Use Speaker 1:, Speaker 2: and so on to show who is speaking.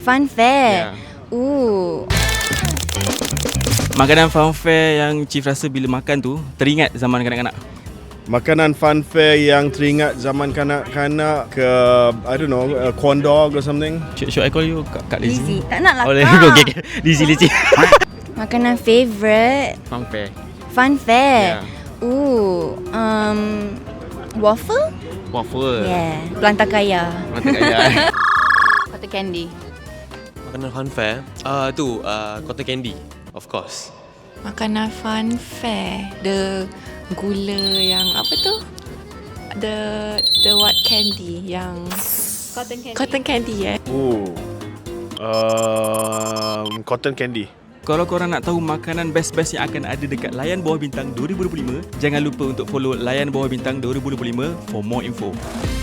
Speaker 1: Fun fair.
Speaker 2: Makanan fun fair yang Chief rasa bila makan tu teringat zaman kanak-kanak.
Speaker 3: Makanan fun fair yang teringat zaman kanak-kanak ke, I don't know, corn dog or something.
Speaker 2: Should I call you Kak Lizzie?
Speaker 1: Tak nak lah
Speaker 2: Oh,
Speaker 1: Kak.
Speaker 2: okay. Lizzie.
Speaker 1: Makanan favourite.
Speaker 2: Fun fair.
Speaker 1: Fun fair.
Speaker 2: Yeah.
Speaker 1: Waffle?
Speaker 2: Waffle.
Speaker 1: Yeah. Pelantar kaya.
Speaker 2: Mata kaya.
Speaker 1: Cotton candy.
Speaker 4: Makanan fun fair cotton candy, of course.
Speaker 5: Makanan fun fair, the gula yang apa tu? The what candy yang cotton candy
Speaker 3: Cotton candy.
Speaker 2: Kalau korang nak tahu makanan best-best yang akan ada dekat Layan Bawah Bintang 2025, jangan lupa untuk follow Layan Bawah Bintang 2025 for more info.